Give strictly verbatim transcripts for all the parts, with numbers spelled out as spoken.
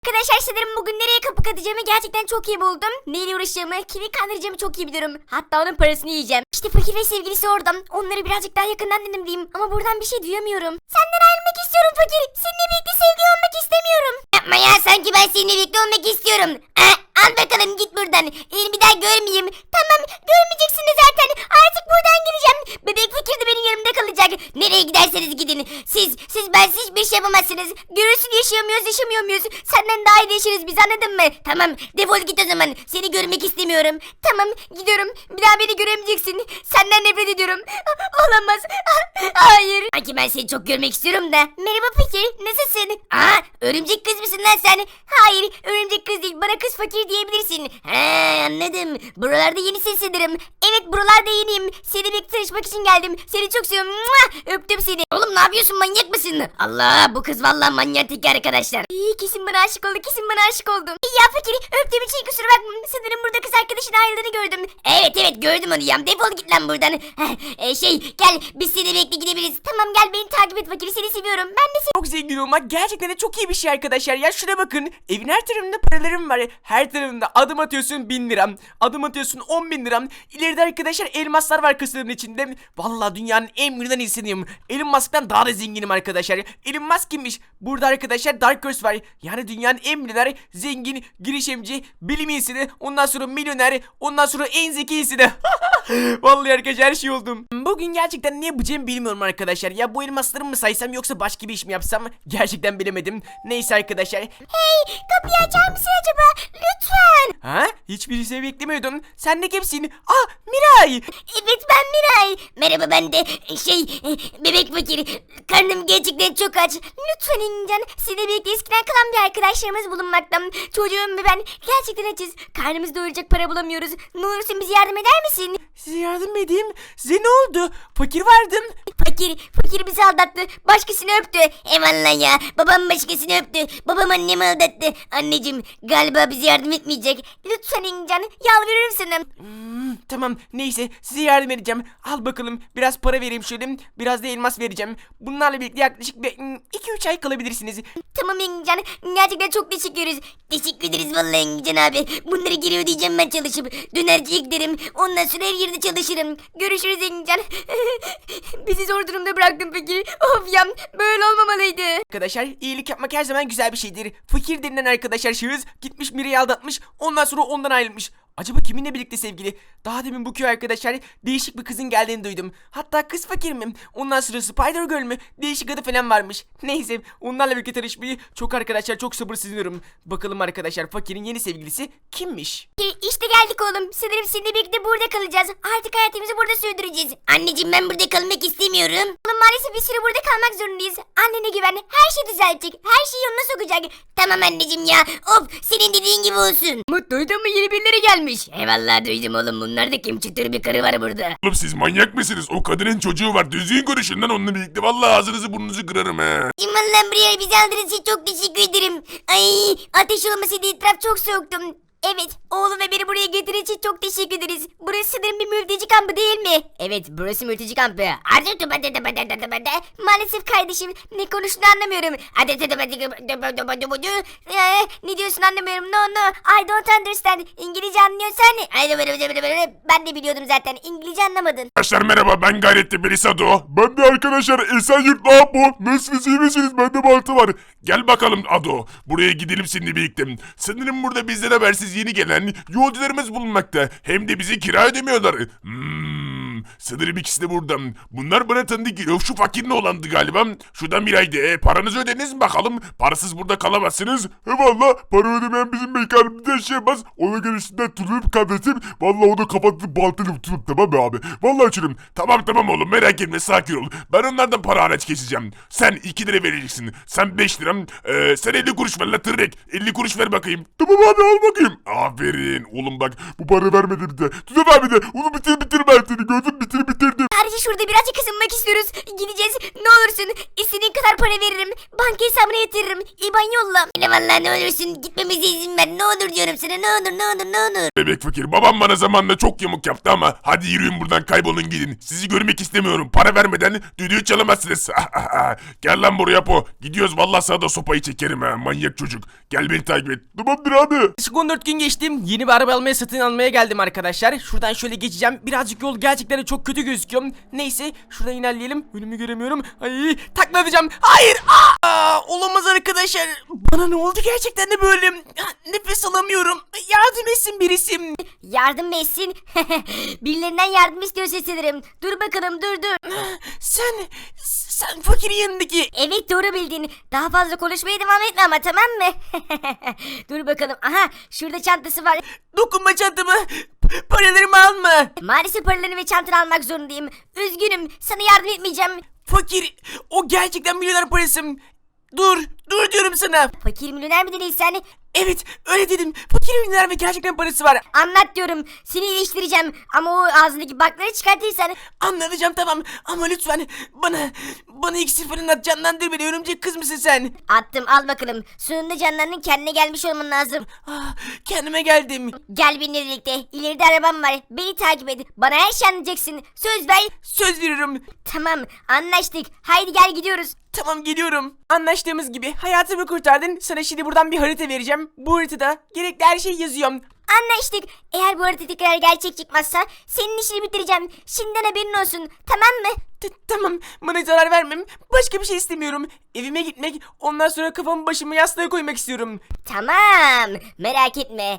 Arkadaşlar sanırım bugün nereye kapı atacağımı gerçekten çok iyi buldum. Neyle uğraşacağımı, kimi kandıracağımı çok iyi biliyorum. Hatta onun parasını yiyeceğim. İşte fakir ve sevgilisi orada. Onları birazcık daha yakından dinleyeyim ama buradan bir şey duyamıyorum. Senden ayrılmak istiyorum fakir. Seninle birlikte sevgili olmak istemiyorum. Yapma ya, sanki ben seninle birlikte olmak istiyorum. Eh, al bakalım git buradan. Seni bir daha görmeyeyim. Tamam, görmeyeceksin de zaten. Artık buradan gideceğim. Bebek fakir de benim yanımda kalacak. Nereye giderseniz gidin. Siz, siz bensiz hiçbir şey yapamazsınız. Görürsün yaşıyor muyuz, yaşamıyor muyuz? Senden daha iyi yaşarız biz, anladın mı? Tamam, defol git o zaman. Seni görmek istemiyorum. Tamam, gidiyorum. Bir daha beni göremeyeceksin. Senden nefret ediyorum. Olamaz. Hayır. Sanki ben seni çok görmek istiyorum da. Merhaba fakir, nasılsın? Aa, örümcek kız mısın lan sen? Hayır, örümcek kız değil. Bana kız fakir diyebilirsin. He, anladım. Buralarda yenisin sanırım. Evet, buralarda yeniyim. Seni birlikte tanışmak için geldim. Seni çok seviyorum. Mua! Öptüm seni. Oğlum ne yapıyorsun, manyak mısın? Allah, bu kız vallahi manyak arkadaşlar. İyi, kesin bana aşık oldu. Kesin bana aşık oldum. Ya fakir, öptüğüm için kusura bakma. Sanırım burada kız arkadaşın ayrıldığını gördüm. Evet evet, gördüm onu ya. Defol git lan buradan. e, şey gel, biz seni birlikte gidebiliriz. Tamam, gel beni takip et fakir. Seni seviyorum. Ben de seni... Çok zengin olmak gerçekten de çok iyi bir şey arkadaşlar. Ya şuna bakın. Evin her tarafında paralarım var. Her tarafında adım atıyorsun bin liram. Adım atıyorsun on bin liram. İleride arkadaşlar elmaslar var kasanın içinde. Vallahi dünyanın en milyoner insanıyım. Elon Musk'tan daha da zenginim arkadaşlar. Elon Musk kimmiş? Burada arkadaşlar Dark Horse var. Yani dünyanın en milyoner, zengin, girişimci, bilim insanı. Ondan sonra milyoner. Ondan sonra en zeki insanı. Vallahi arkadaşlar her şey oldum. Bugün gerçekten ne yapacağımı bilmiyorum arkadaşlar. Ya bu elmasları mı saysam yoksa başka bir iş mi yapsam? Gerçekten bilemedim. Neyse arkadaşlar. Hey, kapıyı açar mısın acaba? Lütfen. Ha? Hiçbir şey beklemiyordum. Sen de kimsin? Ah, Miray. Evet, ben Miray. Merhaba, ben de şey bebek fakir. Karnım gerçekten çok aç. Lütfen İncan, sizinle birlikte eskiden kalan bir arkadaşlarımız bulunmakta. Çocuğum ve ben gerçekten açız. Karnımızı doyuracak para bulamıyoruz. Ne olursun bize yardım eder misin? Size yardım edeyim. Size ne oldu? Fakir vardım. Fakir, fakir bizi aldattı. Başkasını öptü. Eyvallah ya. Babam başkasını öptü. Babam annemi aldattı. Anneciğim, galiba bize yardım etmeyecek. Lütfen İncan, yalvarırım sana. Hmm, tamam, neyse size yardım edeceğim. Al bakalım, biraz para vereyim şöyle. Biraz da elmas vereceğim. Bunlarla birlikte yaklaşık iki üç ay kalabilirsiniz. Tamam İncan, gerçekten çok teşekkür ederiz. Teşekkür ederiz vallahi İncan abi. Bunları geri ödeyeceğim ben çalışıp. Dönerciye giderim. Ondan sonra her yerde çalışırım. Görüşürüz İncan. Bizi zor durumda bıraktın fakir. Of ya, böyle olmamalıydı. Arkadaşlar, iyilik yapmak her zaman güzel bir şeydir. Fakir denilen arkadaşlar şahıs gitmiş Mira'yı aldatmış. Ondan sonra ondan ayrılmış. Acaba kiminle birlikte sevgili? Daha demin bu köy arkadaşlar değişik bir kızın geldiğini duydum. Hatta kız fakir mi? Ondan sonra Spider Girl mü? Değişik adı falan varmış. Neyse, onlarla birlikte tanışmayı çok arkadaşlar çok sabırsızlanıyorum. Bakalım arkadaşlar, fakirin yeni sevgilisi kimmiş? İşte geldik oğlum. Sanırım seninle birlikte burada kalacağız. Artık hayatımızı burada sürdüreceğiz. Anneciğim, ben burada kalmak istemiyorum. Oğlum, maalesef bir süre burada kalmak zorundayız. Annene güven. Her şey düzelecek. Her şey yoluna sokacak. Tamam anneciğim ya. Of, senin dediğin gibi olsun. Umut, duydun mu, yeni birileri gelmiş. Eyvallah, duydum oğlum. Bunlar da kim, çıtır bir karı var burada. Oğlum siz manyak mısınız? O kadının çocuğu var. Düzgün konuşun lan onunla birlikte. Vallahi ağzınızı burnunuzu kırarım he. İmanla buraya bizi aldığınız için çok teşekkür ederim. Ay, ateş olmasaydı etraf çok soğuktum. Evet, oğlum ve beni buraya getirdiğin için çok teşekkür ederiz. Burası sanırım bir mülteci kampı değil mi? Evet, burası mülteci kampı. Maalesef kardeşim, ne konuştuğunu anlamıyorum. Ee, ne diyorsun anlamıyorum. No no, I don't understand. İngilizce anlıyorsan. Ben de biliyordum zaten. İngilizce anlamadın. Arkadaşlar merhaba, ben Gayretli Belisado. Ben de arkadaşlar Esenyurt Apo. Nasılsınız, iyi misiniz? Bende baltı var. Gel bakalım Ado. Buraya gidelim seninle birlikte. Sanırım burada bizden habersiz yeni gelen yolcularımız bulunmakta. Hem de bizi kira ödemiyorlar. Hmm, sanırım ikisi de burada. Bunlar bana tanıdık geliyor. Şu fakirin olandı galiba. Şuradan bir ayda. E, paranızı ödediniz mi bakalım? Parasız burada kalamazsınız. He valla, para ödemeyen bizim mekanımızda yaşayamaz. Ona görüşünden tutulup kardeşim. Valla onu kapatıp baltayla tutup, tamam mı abi? Valla açırım. Tamam tamam oğlum, merak etme, sakin ol. Ben onlardan para haraç keseceğim. Sen iki lira vereceksin. Sen beş lira. Ee, sen elli kuruş ver la tırrek. elli kuruş ver bakayım. Tamam abi, al bakayım. Aferin oğlum, bak bu para vermedi bize. Tuzan abi de onu bitir bitir ben seni, gördün bitirdim bitir bitirdim. Sadece şurada birazcık ısınmak istiyoruz. Gideceğiz. Ne olursun. İstediğin kadar para veririm. Banka hesabına yatırırım. İban yolla. Yine vallahi ne olursun gitmemize izin ver. Ne olur diyorum sana ne olur ne olur ne olur. Bebek fakir babam bana zamanla çok yamuk yaptı ama hadi yürüyün buradan kaybolun gidin. Sizi görmek istemiyorum. Para vermeden düdüğü çalamazsınız. Gel lan buraya po. Gidiyoruz vallahi sana da sopayı çekerim ha manyak çocuk. Gel beni takip et. Tamamdır abi. Yaklaşık on dört gün geçtim. Yeni bir araba almaya satın almaya geldim arkadaşlar. Şuradan şöyle geçeceğim. Birazcık yol gerçekten de çok kötü gözüküyor. Neyse şuradan ilerleyelim. Önümü göremiyorum. Ay taklatacağım. Hayır. Aa, olamaz arkadaşlar. Bana ne oldu gerçekten de böyle? Nefes alamıyorum. Yardım etsin birisi. Yardım etsin. Birilerinden yardım istiyorsa sanırım. Dur bakalım dur dur. Sen, sen fakirin yanındaki. Evet doğru bildin. Daha fazla konuşmaya devam etme ama tamam mı? Dur bakalım. Aha şurada çantası var. Dokunma çantamı. Paralarımı alma. Maalesef paralarını ve çantanı almak zorundayım. Üzgünüm. Sana yardım etmeyeceğim. Fakir. O gerçekten milyoner parası. Dur. Dur diyorum sana. Fakir milyoner mi dedin sen? Evet öyle dedim. Fakir milyoner ve gerçekten parası var. Anlat diyorum. Seni iyileştireceğim. Ama o ağzındaki bakları çıkartırsan. Anlatacağım tamam ama lütfen bana bana iksir falan at, canlandır beni. Örümcek kız mısın sen? Attım al bakalım. Sonunda canlarının kendine gelmiş olman lazım. Ah, kendime geldim. Gel benimle birlikte. İleride arabam var. Beni takip et. Bana her şey anlatacaksın. Söz ver. Söz veriyorum. Tamam anlaştık. Haydi gel gidiyoruz. Tamam geliyorum. Anlaştığımız gibi hayatımı kurtardın. Sana şimdi buradan bir harita vereceğim. Bu haritada gerekli her şeyi yazıyorum. Anlaştık. Eğer bu harita tekrar gerçek çıkmazsa senin işini bitireceğim. Şimdiden haberin olsun. Tamam mı? T- tamam bana zarar vermem. Başka bir şey istemiyorum. Evime gitmek, ondan sonra kafamı başımı yastığa koymak istiyorum. Tamam. Merak etme.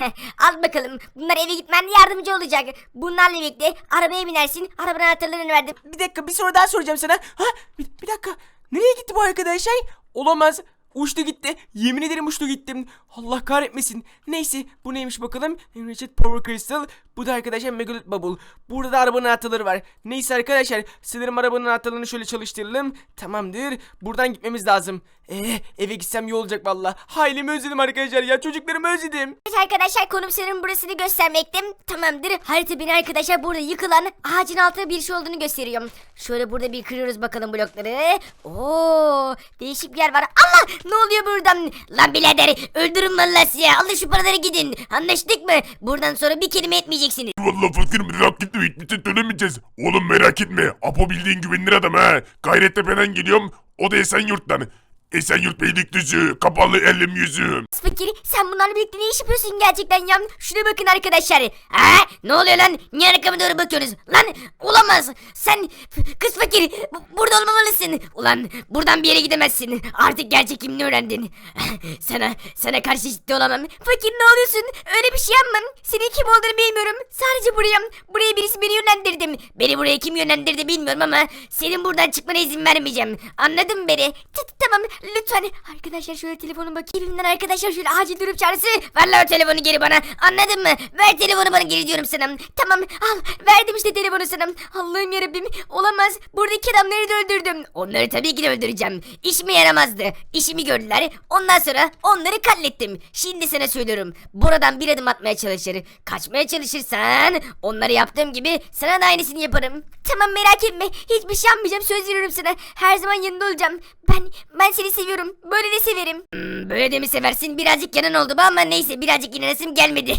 Al bakalım. Bunlar eve gitmen yardımcı olacak. Bunlarla birlikte arabaya binersin. Arabanın anahtarlarını verdim. Bir dakika bir soru daha soracağım sana. Ha bir, bir dakika. Nereye gitti bu arkadaşlar? Olamaz. Uçtu gitti. Yemin ederim uçtu gittim. Allah kahretmesin. Neyse bu neymiş bakalım. Enriched Power Crystal. Bu da arkadaşlar Megalith Bubble. Burada da arabanın anahtarları var. Neyse arkadaşlar. Sanırım arabanın anahtarlarını şöyle çalıştıralım. Tamamdır. Buradan gitmemiz lazım. Eee eve gitsem iyi olacak valla. Ailemi özledim arkadaşlar ya. Çocuklarımı özledim. Evet arkadaşlar konum senin burasını göstermekte. Tamamdır. Harita beni arkadaşlar burada yıkılan ağacın altında bir şey olduğunu gösteriyor. Şöyle burada bir kırıyoruz bakalım blokları. Oo, değişik bir yer var. Allah ne oluyor buradan? Lan birader öldürün vallahi size. Alın şu paraları gidin. Anlaştık mı? Buradan sonra bir kelime etmeyeceksiniz. Vallahi fakir merak etme hiçbir şey söylemeyeceğiz. Oğlum merak etme. Apo bildiğin güvenilir adam ha. Gayrettepe'den geliyorum. O da Esenyurt'tan. Esenyurt Beylikdüzü. Kapalı elim yüzüm. Fakir sen bunlarla birlikte ne iş yapıyorsun gerçekten ya? Şuna bakın arkadaşlar. Ha? Ne oluyor lan? Niye arkama doğru bakıyorsunuz? Lan olamaz. Sen kız fakir bu- burada olmamalısın. Ulan buradan bir yere gidemezsin. Artık gerçek kimliğini öğrendin. sana sana karşı ciddi olamam. Fakir ne oluyorsun? Öyle bir şey yapmam. Senin kim olduğunu bilmiyorum. Sadece buraya, buraya birisi beni yönlendirdi. Beni buraya kim yönlendirdi bilmiyorum ama senin buradan çıkmana izin vermeyeceğim. Anladın mı beni? T- Tamam lütfen. Arkadaşlar şöyle telefonu bakayım. Elimden arkadaşlar şöyle acil durum çağrısı. Ver lan o telefonu geri bana. Anladın mı? Ver telefonu bana geri diyorum sana. Tamam al verdim işte telefonu sana. Allah'ım yarabbim olamaz. Buradaki adamları da öldürdüm. Onları tabii ki de öldüreceğim. İşime yaramazdı. İşimi gördüler. Ondan sonra onları katlettim. Şimdi sana söylüyorum. Buradan bir adım atmaya çalışır. Kaçmaya çalışırsan onları yaptığım gibi sana da aynısını yaparım. Tamam merak etme. Hiçbir şey yapmayacağım. Söz veriyorum sana. Her zaman yanında olacağım. Ben ben seni seviyorum. Böyle de severim. Hmm, böyle de mi seversin? Birazcık yanan oldu bu ama neyse birazcık inanasım gelmedi.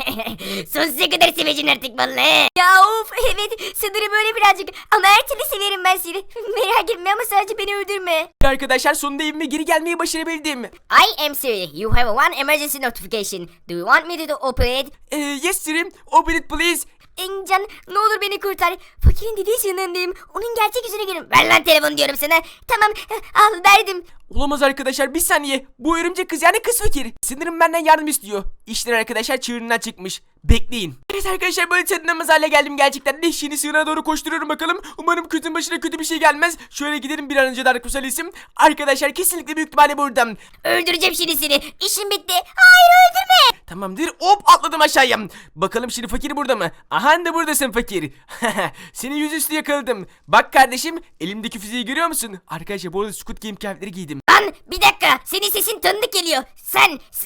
Sonsuza kadar seveceksin artık vallahi. Ya of evet sanırım öyle birazcık. Ama her türlü severim ben seni. Merak etme ama sadece beni öldürme. Arkadaşlar sonunda evime geri gelmeyi başarabildim. I am Siri. You have one emergency notification. Do you want me to operate? Ee, yes sir'im. Open it please. Encan ne olur beni kurtar. Fakirin dediği yanındayım. Onun gerçek yüzüne görün. Ver lan telefonu diyorum sana. Tamam al verdim. Olamaz arkadaşlar bir saniye. Bu örümcek kız yani kız fakir. Sanırım benden yardım istiyor. İşler arkadaşlar çığırından çıkmış. Bekleyin. Evet arkadaşlar böyle tadınamaz hale geldim gerçekten. De şimdi sığınağa doğru koşturuyorum bakalım. Umarım kötünün başına kötü bir şey gelmez. Şöyle gidelim bir an önce Dark Crystal isim. Arkadaşlar kesinlikle büyük ihtimalle buradan. Öldüreceğim şimdi seni. İşim bitti. Hayır öldürme. Tamamdır hop atladım aşağıya. Bakalım şimdi fakir burada mı? Aha da buradasın fakir. Seni yüzüstü yakaladım. Bak kardeşim elimdeki füzeyi görüyor musun? Arkadaşlar bu arada Squid Game kıyafetleri giydim. Lan bir dakika. Senin sesin tanıdık geliyor. Sen s-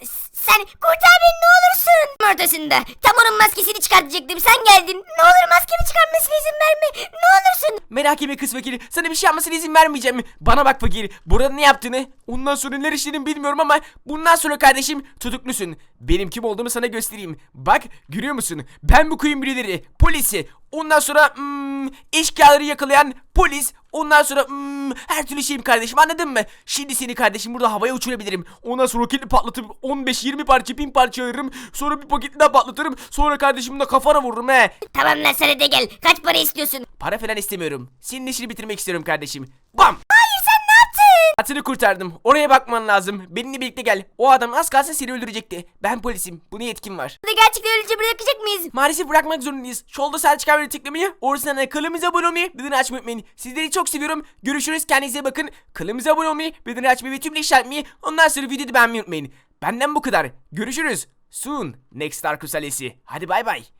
Sen kurtar beni ne olursun. Ortasında tam onun maskesini çıkartacaktım, sen geldin. Ne olur maskemi çıkartmasına izin verme. Ne olursun. Merak etme kız fakir. Sana bir şey yapmasına izin vermeyeceğim. Bana bak fakir. Burada ne yaptığını, ondan sonra neler işlediğini bilmiyorum ama bundan sonra kardeşim tutuklusun. Benim kim olduğumu sana göstereyim. Bak görüyor musun? Ben bu köyün birileri. Polisi. Ondan sonra hmm, eşkıyaları yakalayan polis. Ondan sonra hmm, her türlü şeyim kardeşim, anladın mı? Şimdi seni kardeşim burada havaya uçurabilirim. Ondan sonra roketli patlatıp on beş yirmi parça bin parça ayırırım. Sonra bir paketli daha patlatırım. Sonra kardeşim de kafana vururum he. Tamam lan, sana de gel. Kaç para istiyorsun? Para falan istemiyorum. Senin işini bitirmek istiyorum kardeşim. Bam! Hayır sen ne yaptın? Atını kurtardım. Oraya bakman lazım. Benimle birlikte gel. O adam az kalsın seni öldürecekti. Ben polisim. Buna yetkim var. Bunu gerçekten öylece bırakacak mıyız? Maalesef bırakmak zorundayız. Şolda sağ çıkan videoyu tıklamayı, orasından kanalımıza abone olmayı, bildirim açmayı unutmayın. Sizleri çok seviyorum. Görüşürüz. Kendinize bakın. Kanalımıza abone olmayı, bildirim açmayı ve tüm işaretmeyi. Ondan sonra videoyu beğenmeyi unutmayın. Benden bu kadar. Görüşürüz. Soon. Next Darkus ailesi. Hadi bay bay.